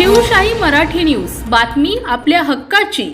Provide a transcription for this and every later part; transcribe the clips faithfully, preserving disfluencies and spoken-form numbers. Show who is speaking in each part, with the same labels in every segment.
Speaker 1: Shivshahi Marathi news, बातमी आपल्या हक्काची।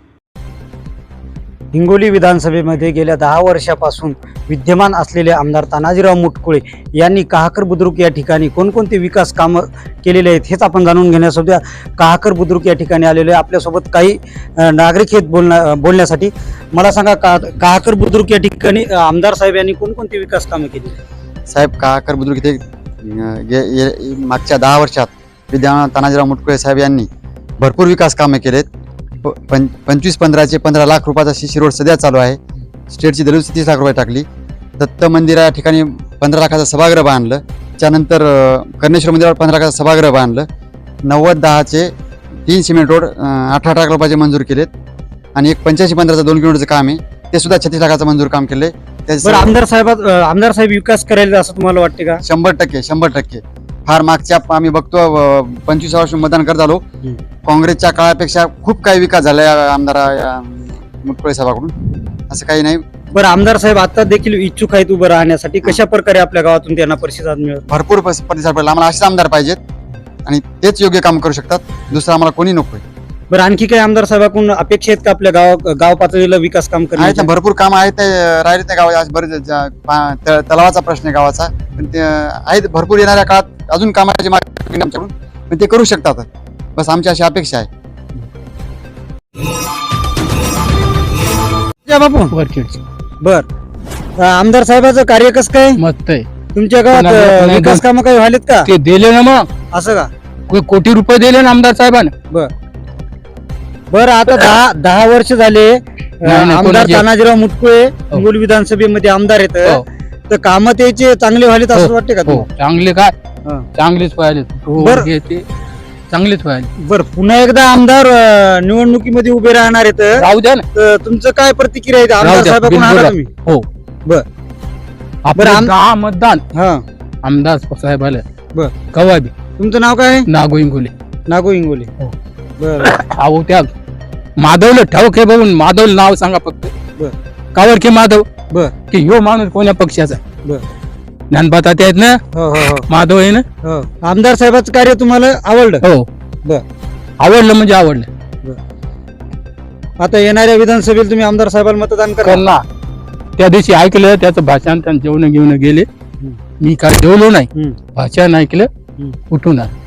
Speaker 2: हिंगोली विधानसभेमध्ये गेल्या दहा वर्षापासून विद्यमान असलेले आमदार तानाजीराव मुटकुळे यांनी कहाकर बुद्रुक या ठिकाणी कोणकोणते विकास कामं केलेले आहेत हेच आपण जाणून घेण्यासाठी कहाकर बुद्रुक या ठिकाणी आलेले आपल्यासोबत काही नागरिक आहेत बोलण्या बोलण्यासाठी। मला सांगा, का कहाकर बुद्रुक या ठिकाणी आमदार साहेब यांनी कोणकोणते विकास कामं केली?
Speaker 3: साहेब, कहाकर बुद्रुक इथे मागच्या दहा वर्षात विद्यमान तानाजीराव मुटकुळे साहेब यांनी भरपूर विकास कामे केलेत। पं पंचवीस पंधराचे पंधरा लाख रुपयाचा शिशी रोड सध्या चालू आहे। स्टेटची दरवर्षी तीस लाख रुपये टाकली। दत्त मंदिरा या ठिकाणी पंधरा लाखाचं सभागृह बांधलं। त्यानंतर कर्णेश्वर मंदिरावर पंधरा लाखाचं सभागृह बांधलं। नव्वद दहाचे तीन सिमेंट रोड अठरा लाख रुपयाचे मंजूर केलेत आणि एक पंच्याऐंशी पंधराचं दोन किलोमीटरचं काम आहे ते सुद्धा छत्तीस लाखाचं मंजूर काम केले।
Speaker 2: आमदार साहेब आमदार साहेब विकास करायला असं तुम्हाला वाटते का?
Speaker 3: शंभर टक्के शंभर टक्के फार मागच्या आम्ही बघतो पंचवीस वर्ष मतदान करत आलो, काँग्रेसच्या काळापेक्षा खूप काही विकास झाला या आमदार मुटकुळे साहेबांकडून, असं काही नाही।
Speaker 2: बरं, आमदार साहेब आता देखील इच्छुक आहेत उभं राहण्यासाठी, कशा प्रकारे आपल्या गावातून त्यांना प्रतिसाद मिळेल?
Speaker 3: भरपूर प्रतिसाद पडला। आम्हाला असेच आमदार पाहिजेत आणि तेच योग्य काम करू शकतात, दुसरं आम्हाला कोणी नकोय।
Speaker 2: बरं, आणखी काही आमदार साहेबांकडून अपेक्षा आहेत का आपल्या गाव गाव पातळीला विकास काम करण्याचे?
Speaker 3: भरपूर काम आहेत, ते राहिले त्या गावात बरेच तलावाचा प्रश्न आहे गावाचा, पण ते आहेत भरपूर। येणाऱ्या काळात अजून कामाची मागणी आमच्याकडून, पण ते करू शकतात, बस आमची अशी अपेक्षा आहे।
Speaker 2: बापू बर, आमदार साहेबांचं कार्य कसं काय?
Speaker 4: मस्त आहे।
Speaker 2: तुमच्या गावात विकास कामं काही व्हायलेत का?
Speaker 4: ते दिले ना, मग
Speaker 2: असं का?
Speaker 4: कोटी कोटी रुपये दिले ना आमदार साहेबांनी।
Speaker 2: बर बर, आता दहा दहा वर्ष झाले आमदार
Speaker 4: कोणाचे?
Speaker 2: तानाजीराव मुटकुळे हिंगोली विधानसभेमध्ये आमदार आहेत,
Speaker 4: हो.
Speaker 2: तर कामं त्याचे चांगले व्हायलेत असं
Speaker 4: हो.
Speaker 2: वाटते का?
Speaker 4: हो, चांगले काय
Speaker 2: हा.
Speaker 4: चांगलेच व्हायले,
Speaker 2: बरं.
Speaker 4: हे ते चांगलेच व्हायले।
Speaker 2: बर, पुन्हा एकदा आमदार अं, निवडणुकीमध्ये उभे राहणार आहेत,
Speaker 4: राहू द्या ना,
Speaker 2: तर तुमचं काय प्रतिक्रिया आहे?
Speaker 4: राहू
Speaker 2: आमदार
Speaker 4: द्या,
Speaker 2: साहेबांकडून
Speaker 4: बिलकुल
Speaker 2: आला
Speaker 4: राहू.
Speaker 2: तुम्ही?
Speaker 4: हो
Speaker 2: बर
Speaker 4: आपलं
Speaker 2: आम-
Speaker 4: दहा मतदान
Speaker 2: हा
Speaker 4: आमदार साहेब आले
Speaker 2: बर,
Speaker 4: कवा बी
Speaker 2: तुमचं नाव काय आहे?
Speaker 4: नागो इंगोले।
Speaker 2: नागो इंगोले।
Speaker 4: हो.
Speaker 2: बर
Speaker 4: अहो त्या माधवला ठाऊक आहे बघून, माधव नाव सांगा फक्त,
Speaker 2: बर
Speaker 4: कावर की माधव,
Speaker 2: बर
Speaker 4: की ह्यो माणूस कोण्या पक्षाचा?
Speaker 2: बर
Speaker 4: ज्ञानपाता आहेत ना,
Speaker 2: हो हो हो
Speaker 4: माधव आहे ना।
Speaker 2: हो. आमदार साहेबांचं कार्य तुम्हाला आवडलं?
Speaker 4: हो,
Speaker 2: बर,
Speaker 4: आवडलं म्हणजे आवडलं।
Speaker 2: आता येणाऱ्या विधानसभेला तुम्ही आमदार साहेबांना मतदान करा?
Speaker 4: करणार। त्या दिवशी ऐकलं त्याचं भाषण, त्यांनी जेवण घेऊन गेले, मी काय जेवलो नाही,
Speaker 2: हम्म.
Speaker 4: भाषण ऐकलं,
Speaker 2: हम्म.
Speaker 4: उठून आलो।